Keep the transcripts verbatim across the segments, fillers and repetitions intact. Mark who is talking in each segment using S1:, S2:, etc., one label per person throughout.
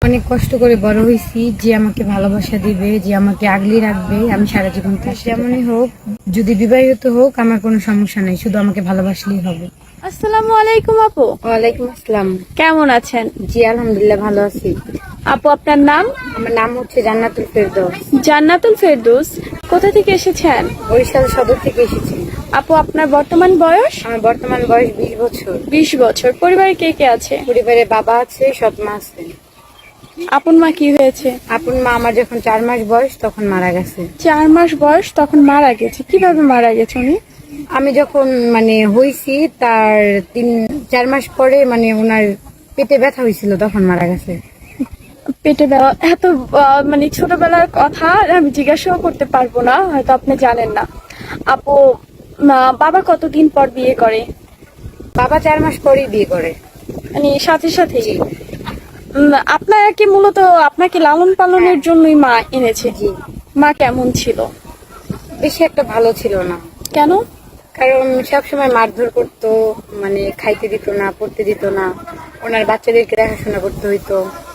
S1: অনেক কষ্ট করে বড় হয়েছি, যে আমাকে ভালোবাসা দিবে, যে আমাকে আগলে রাখবে, আমি সারা জীবন তার যেমনই হোক, যদি বিবাহিত হোক আমার কোনো সমস্যা নেই, শুধু আমাকে ভালোবাসলেই হবে।
S2: আসসালামু আলাইকুম আপু।
S1: ওয়ালাইকুম আসসালাম।
S2: কেমন আছেন?
S1: জি আলহামদুলিল্লাহ ভালো আছি।
S2: আপু আপনার নাম?
S1: আমার নাম হচ্ছে জান্নাতুল ফেরদৌস।
S2: জান্নাতুল ফেরদৌস। কোথা থেকে এসেছেন?
S1: বরিশাল সদর থেকে এসেছি।
S2: আপু আপনার বর্তমান বয়স?
S1: আমার বর্তমান বয়স বিশ বছর।
S2: বিশ বছর। পরিবারে কে কে আছে?
S1: পরিবারে বাবা আছে, সৎ মা আছে।
S2: আপন মা কি হয়েছে?
S1: আপন মা আমার যখন চার মাস বয়স তখন মারা গেছে।
S2: চার মাস বয়স তখন মারা গেছে। কিভাবে মারা গেছে উনি?
S1: আমি যখন মানে হইছি তার তিন চার মাস পরে মানে ওনার পেটে ব্যথা হয়েছিল, তখন মারা গেছে।
S2: পেটে ব্যথা? এত আহ, মানে ছোটবেলার কথা আমি জিজ্ঞাসাও করতে পারবো না, হয়তো আপনি জানেন না। আপু আহ, বাবা কতদিন পর বিয়ে করে?
S1: বাবা চার মাস পরেই বিয়ে করে।
S2: মানে সাথে সাথে? আপনারা কি মূলত আপনাকে লালন পালনের জন্যই মা এনেছে?
S1: জি।
S2: মা কেমন ছিল?
S1: বেশি একটা ভালো ছিল না।
S2: কেন?
S1: কারণ সবসময় মারধর করতো, মানে খাইতে দিত না, পড়তে দিত না, ওনার বাচ্চাদেরকে দেখাশোনা করতে হইতো।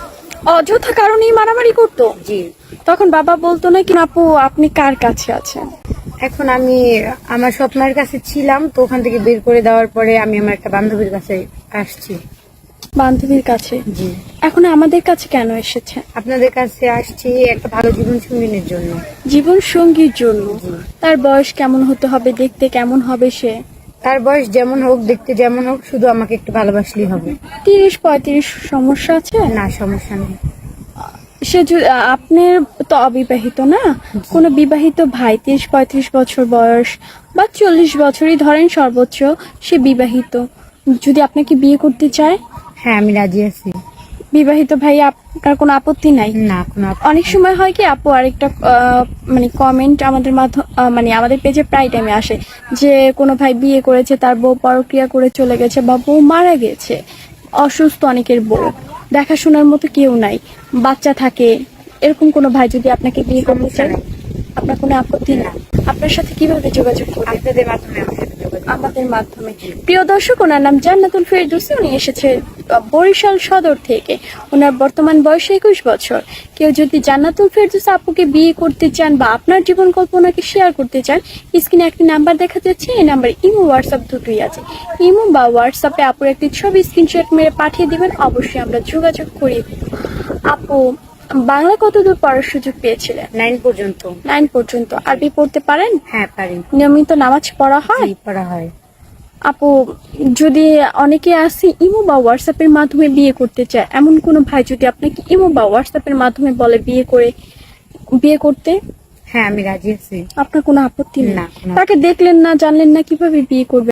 S2: অযথা কারণেই মারামারি করতো?
S1: জি।
S2: তখন বাবা বলতো না কি আপু আপনি কার কাছে আছেন?
S1: এখন আমি আমার স্বপ্নের কাছে ছিলাম, তো ওখান থেকে বের করে দেওয়ার পরে আমি আমার একটা বান্ধবীর কাছে আসছি।
S2: বান্ধবীর কাছে?
S1: জি।
S2: এখন আমাদের কাছে কেন এসেছে?
S1: আপনাদের কাছে আসছি একটা ভালো জীবন সঙ্গিনীর জন্য।
S2: জীবন সঙ্গীর জন্য?
S1: জি।
S2: তার বয়স কেমন হতে হবে, দেখতে কেমন হবে সে?
S1: তার বয়স যেমন হোক, দেখতে যেমন হোক, শুধু আমাকে একটু ভালোবাসলেই হবে।
S2: তিরিশ পঁয়ত্রিশ সমস্যা আছে?
S1: না, সমস্যা নেই।
S2: সে যদি আপনার তো অবিবাহিত না, কোনো বিবাহিত ভাই তিরিশ পঁয়ত্রিশ বছর বয়স বা চল্লিশ বছরই ধরেন সর্বোচ্চ, সে বিবাহিত, যদি আপনাকে বিয়ে করতে চায়?
S1: হ্যাঁ আমি রাজি আছি।
S2: বিবাহিত ভাই আপনার কোনো আপত্তি নাই?
S1: না, কোনো আপত্তি
S2: অনেক সময় হয় কি আপু, আরেকটা আহ, মানে কমেন্ট আমাদের মাধ্যম আহ, মানে আমাদের পেজে প্রায় টাইমে আসে যে কোনো ভাই বিয়ে করেছে, তার বউ পরক্রিয়া করে চলে গেছে বা বউ মারা গেছে, অসুস্থ অনেকের বউ, দেখাশোনার মতো কেউ নাই, বাচ্চা থাকে, এরকম কোনো ভাই যদি আপনাকে বিয়ে করতে
S1: সমস্যা
S2: চায়,
S1: নেই।
S2: আপনার কোনো আপত্তি না? আপনার সাথে কিভাবে যোগাযোগ করবে?
S1: আপনাদের মাধ্যমে আমার সাথে যোগাযোগ।
S2: আমাদের মাধ্যমে। প্রিয় দর্শক, ওনার নাম জান্নাতুল ফেরদৌস। উনি এসেছে আহ, বরিশাল সদর থেকে। ওনার বর্তমান বয়স একুশ বছর। কেউ যদি জান্নাতুল ফেরদৌস আপুকে বিয়ে করতে চান বা আপনার জীবন কল্পনাকে শেয়ার করতে চান, স্ক্রিনে একটি নাম্বার দেখা যাচ্ছে, এই নাম্বারে ইমো হোয়াটসঅ্যাপ দুটোই আছে। ইমো বা হোয়াটসঅ্যাপে আপুর একটি ছবি স্ক্রিনশট মেরে পাঠিয়ে দিবেন, অবশ্যই আমরা যোগাযোগ করিয়ে দেব। আপু বাংলা কতদূর পড়ার সুযোগ পেয়েছিলেন?
S1: নাইন পর্যন্ত।
S2: নাইন পর্যন্ত। আরবি পড়তে পারেন?
S1: হ্যাঁ পারি।
S2: নিয়মিত নামাজ পড়া হয়?
S1: জি, পড়া হয়।
S2: আপু যদি অনেকে আসে ইমো বা হোয়াটসঅ্যাপের মাধ্যমে বিয়ে করতে চায়, এমন কোনো ভাই যদি আপনাকে ইমো বা হোয়াটসঅ্যাপের মাধ্যমে বলে বিয়ে করে বিয়ে করতে,
S1: হ্যাঁ আমি রাজি আছি।
S2: আপনার কোনো আপত্তি নেই?
S1: না, কোনো
S2: তাকে দেখলেন না, জানলেন না, কিভাবে বিয়ে করবে?